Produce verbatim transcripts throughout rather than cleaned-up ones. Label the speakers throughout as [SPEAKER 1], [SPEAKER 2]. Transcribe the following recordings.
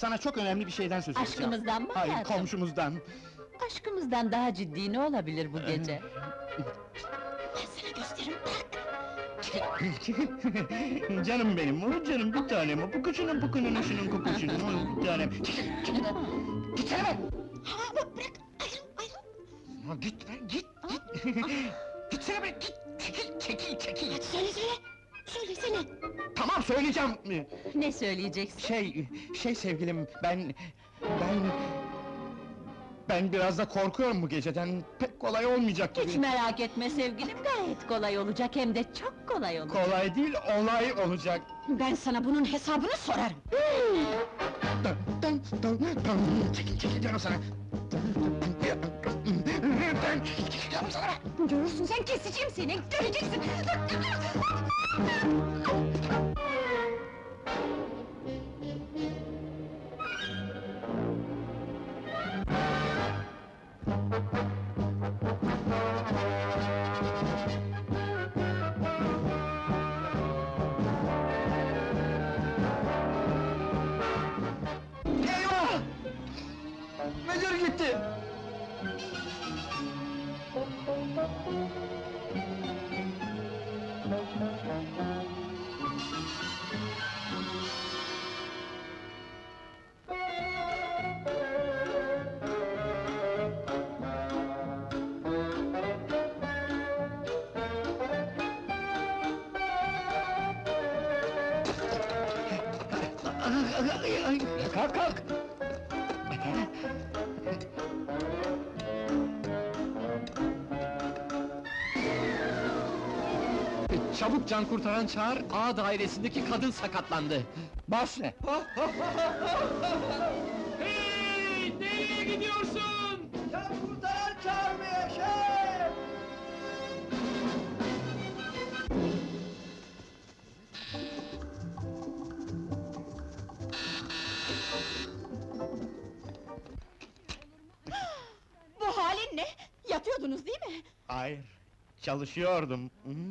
[SPEAKER 1] sana çok önemli bir şeyden söz edeceğim.
[SPEAKER 2] Aşkımızdan mı
[SPEAKER 1] Hayır,
[SPEAKER 2] hayatım?
[SPEAKER 1] komşumuzdan.
[SPEAKER 2] Aşkımızdan daha ciddi ne olabilir bu gece?
[SPEAKER 3] Ben sana gösteririm, bırak!
[SPEAKER 1] Canım benim, o canım bir tanem, o pukuşunun pukunun şunun kukuşunun, o bir tanem. Gitsene be!
[SPEAKER 3] Ha, bak bırak, ayrıl, ayrıl!
[SPEAKER 1] Ya git be, git, git! Gitsene be, git! Çekil, çekil, çekil!
[SPEAKER 3] Hadi söyle, söyle! Söylesene!
[SPEAKER 1] Tamam, söyleyeceğim!
[SPEAKER 2] Ne söyleyeceksin?
[SPEAKER 1] Şey, şey sevgilim, ben... Ben... Ben biraz da korkuyorum bu geceden, pek kolay olmayacak gibi.
[SPEAKER 2] Hiç merak etme sevgilim, gayet kolay olacak, hem de çok kolay olacak.
[SPEAKER 1] Kolay değil, olay olacak.
[SPEAKER 3] Ben sana bunun hesabını sorarım!
[SPEAKER 1] Dın, dın, dın, dın. Çekil, çekil diyorum sana! Dın, çekil, çekil diyorum sana!
[SPEAKER 3] Görürsün sen, keseceğim seni, göreceksin!
[SPEAKER 1] Eyvah! Müdür gitti! Kalk, kalk! Çabuk can kurtaran çağır, A dairesindeki kadın sakatlandı. Baş ne?
[SPEAKER 4] Hey! Nereye gidiyorsun?
[SPEAKER 1] Can kurtaran çağırmaya şef!
[SPEAKER 3] Bu halin ne? Yatıyordunuz değil mi?
[SPEAKER 1] Hayır, çalışıyordum.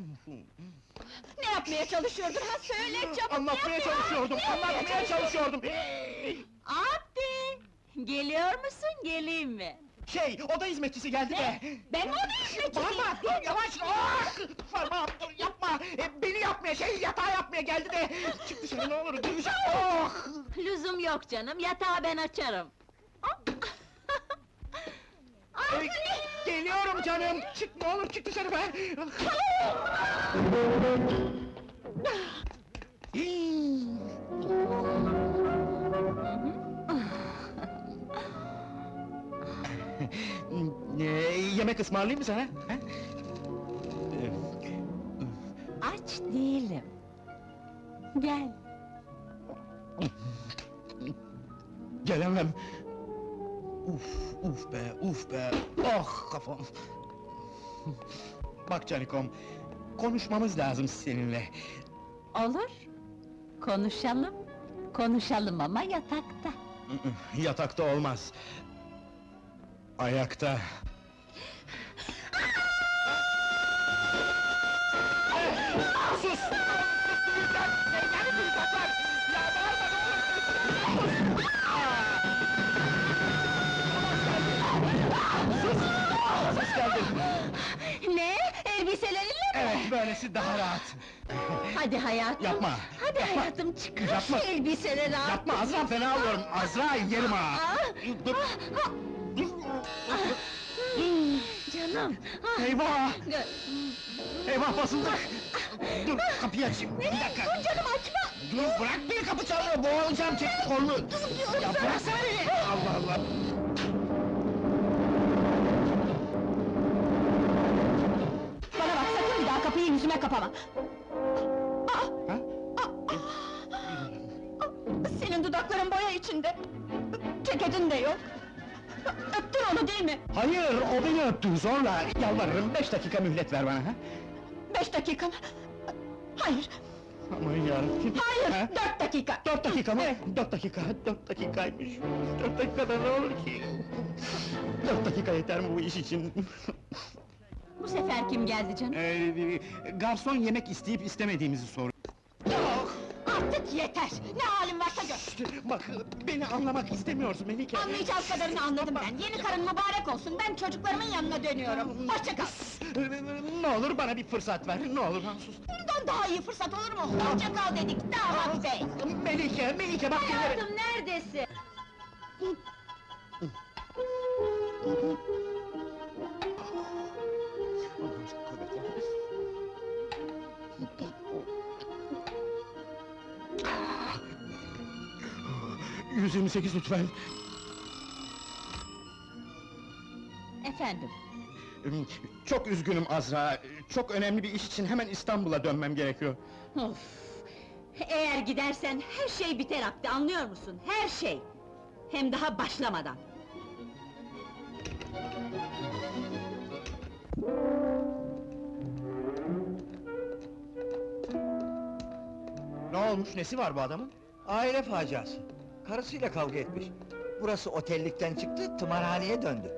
[SPEAKER 3] Ne yapmaya çalışıyordun ha? Söyle çabuk!
[SPEAKER 1] Anlatmaya
[SPEAKER 3] yap ya!
[SPEAKER 1] çalışıyordum,
[SPEAKER 3] Ne yapmaya
[SPEAKER 1] anlatmaya çalışıyordum!
[SPEAKER 2] Abi! Geliyor musun, geleyim mi?
[SPEAKER 1] Şey, oda hizmetçisi geldi de!
[SPEAKER 3] Ben mi onu hizmetçisiyim?
[SPEAKER 1] Bağırma, dur, yavaş! Ah! Parmağım, dur, yapma! E, beni yapmaya, şey, yatağı yapmaya geldi de! Çık dışarı ne olur, duyacak! Oh!
[SPEAKER 2] Lüzum yok canım, yatağı ben açarım.
[SPEAKER 1] E, geliyorum canım! Çık, ne olur, çık dışarı be! Ee, yemek ısmarlayayım mı sana? ha?
[SPEAKER 2] Aç değilim. Gel.
[SPEAKER 1] Gelemem! Uf, uf be, uf be! Oh, kafam! Bak Canikom, konuşmamız lazım seninle.
[SPEAKER 2] Olur. Konuşalım. Konuşalım ama yatakta.
[SPEAKER 1] Yatakta olmaz. Ayakta. Sus! Duyacak! Yani duyacaklar! Ya bağırma ne olur! Sus! Ses geldi!
[SPEAKER 3] Ne? Elbiselerinle mi?
[SPEAKER 1] Evet, böylesi daha rahat.
[SPEAKER 2] Hadi hayatım.
[SPEAKER 1] Yapma!
[SPEAKER 2] Hadi
[SPEAKER 1] yapma.
[SPEAKER 2] hayatım, çıkar
[SPEAKER 1] Yapma.
[SPEAKER 2] şu elbiseleri al.
[SPEAKER 1] Yapma Azra, fena alıyorum! Azra, yerim ha!
[SPEAKER 2] Ah!
[SPEAKER 1] Dur! Dur!
[SPEAKER 2] Canım. Ah,
[SPEAKER 1] Eyvah!
[SPEAKER 2] gö-
[SPEAKER 1] Eyvah basıldık! Dur, kapıyı açayım, bir dakika!
[SPEAKER 3] Dur canım açma!
[SPEAKER 1] Dur, bırak beni, kapı çalıyor, boğulacağım, çek kolunu! Ya bıraksana beni! Allah Allah!
[SPEAKER 3] Bana bak, sakın bir daha kapıyı yüzüme kapama! Aa!
[SPEAKER 1] Ha?
[SPEAKER 3] Senin dudakların boya içinde! Ceketin de yok! Öptün onu değil mi?
[SPEAKER 1] Hayır, o beni öptü, zorla! Yalvarırım, beş dakika mühlet ver bana, ha?
[SPEAKER 3] Beş dakika mı? Hayır,
[SPEAKER 1] Aman yarabbim!
[SPEAKER 3] hayır!
[SPEAKER 1] Ha?
[SPEAKER 3] Dört dakika!
[SPEAKER 1] Dört dakika mı? Dört dakika, dört dakikaymış! Dört dakikada ne olur ki? Dört dakika yeter mi bu iş için?
[SPEAKER 2] Bu sefer kim geldi canım?
[SPEAKER 1] Ee, garson yemek isteyip istemediğimizi soruyor.
[SPEAKER 3] Artık yeter! Ne halin varsa gör!
[SPEAKER 1] Bak, beni anlamak istemiyorsun Melike.
[SPEAKER 3] Anlayacağız kadarını anladım ben. Yeni karın mübarek olsun, ben çocuklarımın yanına dönüyorum. Hoşça kal!
[SPEAKER 1] Ne olur bana bir fırsat ver, ne olur lan sus.
[SPEAKER 3] Bundan daha iyi fırsat olur mu? Hoşça kal dedik, damat bey!
[SPEAKER 1] Melike, Melike bak dinle.
[SPEAKER 2] Hayatım, neredesin?
[SPEAKER 1] yüz yirmi sekiz lütfen.
[SPEAKER 2] Efendim,
[SPEAKER 1] Çok üzgünüm Azra, çok önemli bir iş için hemen İstanbul'a dönmem gerekiyor.
[SPEAKER 2] of! Eğer gidersen her şey biter Abdi, anlıyor musun? Her şey! Hem daha başlamadan!
[SPEAKER 1] Ne olmuş, nesi var bu adamın?
[SPEAKER 5] Aile faciası. Karısıyla kavga etmiş. Burası otellikten çıktı, tımarhaneye döndü.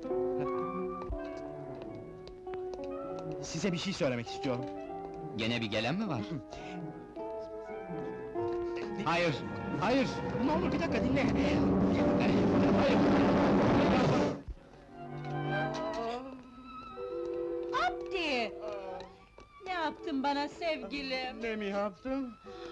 [SPEAKER 1] Size bir şey söylemek istiyorum.
[SPEAKER 6] Gene bir gelen mi var?
[SPEAKER 1] Hayır, hayır! Ne olur bir dakika dinle! Hayır!
[SPEAKER 2] Abdi! Ne yaptın bana sevgilim?
[SPEAKER 1] Ne mi yaptım?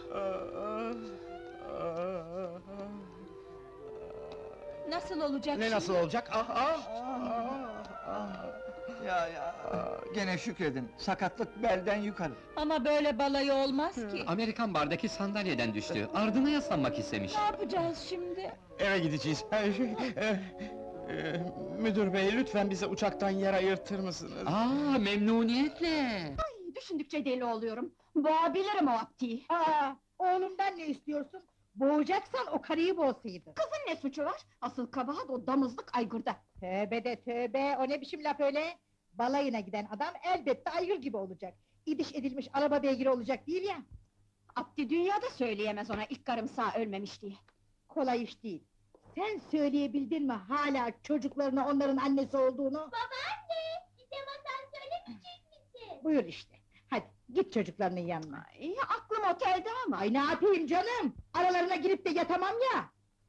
[SPEAKER 2] Nasıl olacak
[SPEAKER 1] Ne
[SPEAKER 2] şimdi?
[SPEAKER 1] nasıl olacak? Ah, ah, ah, ah.
[SPEAKER 5] Ya ya, gene şükredin, sakatlık belden yukarı.
[SPEAKER 2] Ama böyle balayı olmaz ki!
[SPEAKER 6] Amerikan bardaki sandalyeden düştü. Ardına yaslanmak istemiş.
[SPEAKER 2] Ne yapacağız şimdi?
[SPEAKER 1] Eve gideceğiz. Ee, şey, e, e, müdür bey, lütfen bize uçaktan yer ayırtır mısınız?
[SPEAKER 6] Aa, memnuniyetle!
[SPEAKER 3] Düşündükçe deli oluyorum. Boğabilirim o Abdi'yi.
[SPEAKER 7] Aa, oğlumdan ne istiyorsun? Boğacaksan o karıyı boğsaydın.
[SPEAKER 3] Kızın ne suçu var? Asıl kabahat o damızlık aygırda.
[SPEAKER 7] Tövbe de tövbe, o ne biçim laf öyle? Balayına giden adam elbette aygır gibi olacak. İdiş edilmiş araba beygiri olacak değil ya.
[SPEAKER 3] Abdi dünyada söyleyemez ona ilk karım sağ ölmemiş diye.
[SPEAKER 7] Kolay iş değil. Sen söyleyebildin mi hala çocuklarına onların annesi olduğunu?
[SPEAKER 8] Babaanne, bize masal söylemeyecek misin?
[SPEAKER 7] Buyur işte. Hadi git çocuklarının yanına.
[SPEAKER 3] Ay, aklım otelde ama.
[SPEAKER 7] Ay ne yapayım canım? Aralarına girip de yatamam ya.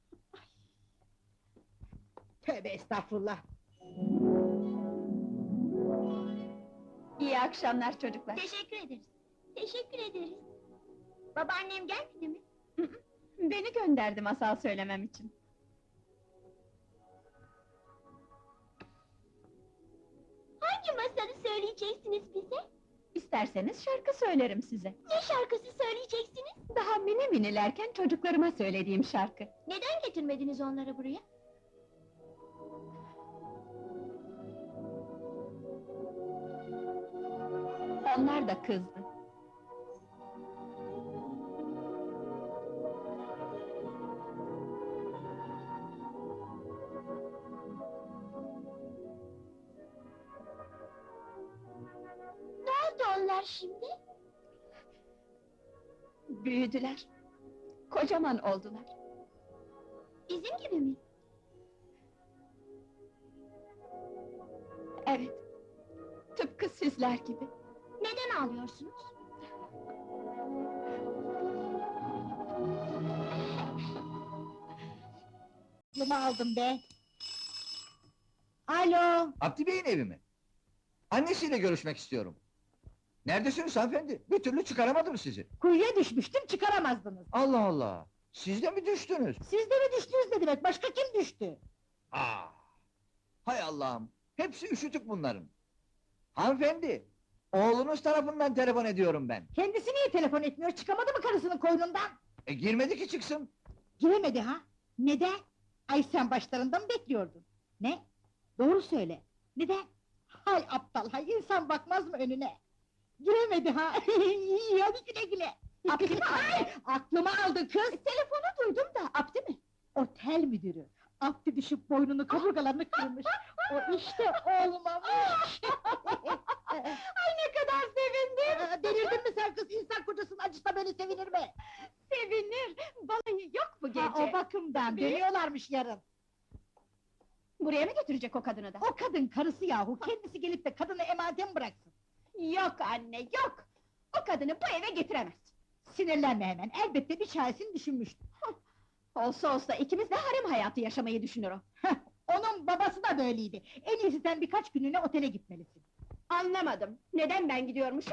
[SPEAKER 7] Tövbe estağfurullah.
[SPEAKER 3] İyi akşamlar çocuklar.
[SPEAKER 8] Teşekkür ederiz. Teşekkür ederiz. Babaannem gelmedi mi?
[SPEAKER 3] Beni gönderdi masal söylemem için.
[SPEAKER 8] Hangi masalı söyleyeceksiniz bize?
[SPEAKER 3] İsterseniz şarkı söylerim size.
[SPEAKER 8] Ne şarkısı söyleyeceksiniz?
[SPEAKER 3] Daha mini minilerken çocuklarıma söylediğim şarkı.
[SPEAKER 8] Neden getirmediniz onları buraya?
[SPEAKER 3] Onlar da kızdı.
[SPEAKER 8] Ne oldu onlar şimdi?
[SPEAKER 3] Büyüdüler. Kocaman oldular.
[SPEAKER 8] Bizim gibi mi?
[SPEAKER 3] Evet. Tıpkı sizler gibi.
[SPEAKER 8] Neden ağlıyorsunuz?
[SPEAKER 7] Aklımı aldım be. Alo.
[SPEAKER 5] Abdi Bey'in evi mi? Annesiyle görüşmek istiyorum. Neredesiniz hanımefendi? Bir türlü çıkaramadım sizi.
[SPEAKER 7] Kuyuya düşmüştüm çıkaramazdınız.
[SPEAKER 5] Allah Allah! Siz de mi düştünüz?
[SPEAKER 7] Siz de mi düştünüz ne demek? Başka kim düştü?
[SPEAKER 5] Aa! Hay Allah'ım! Hepsi üşütük bunların. Hanımefendi! Oğlunuz tarafından telefon ediyorum ben.
[SPEAKER 7] Kendisi niye telefon etmiyor? Çıkamadı mı karısının koynundan?
[SPEAKER 5] E girmedi ki çıksın.
[SPEAKER 7] Giremedi ha? Neden? Ay sen başlarında mı bekliyordun? Ne? Doğru söyle. Neden? Hay aptal hay, insan bakmaz mı önüne? Giremedi ha? İyi hadi güle güle.
[SPEAKER 3] Abdi mi
[SPEAKER 7] Ay, aklımı aldı kız.
[SPEAKER 3] Telefonu duydum da, Abdi mi?
[SPEAKER 7] Otel müdürü. Abdi düşüp boynunu kaburgalarını kırmış. O işte olmamış.
[SPEAKER 3] Ay ne kadar sevindim!
[SPEAKER 7] Aa, Delirdin mi sen kız? İnsan kocasının acısına böyle sevinir mi?
[SPEAKER 3] Sevinir! Balayı yok bu gece!
[SPEAKER 7] Ha, o bakımdan
[SPEAKER 3] Tabii.
[SPEAKER 7] dönüyorlarmış yarın.
[SPEAKER 3] Buraya mı götürecek o kadını da?
[SPEAKER 7] O kadın karısı yahu, kendisi gelip de kadını emanete mi bıraksın?
[SPEAKER 3] Yok anne, yok! O kadını bu eve getiremez!
[SPEAKER 7] Sinirlenme hemen, elbette bir çaresini düşünmüştür.
[SPEAKER 3] Olsa olsa ikimiz de harem hayatı yaşamayı düşünür o.
[SPEAKER 7] Heh, onun babası da böyleydi. En iyisi sen birkaç günlüğüne otele gitmelisin.
[SPEAKER 3] Anlamadım. Neden ben gidiyormuşum?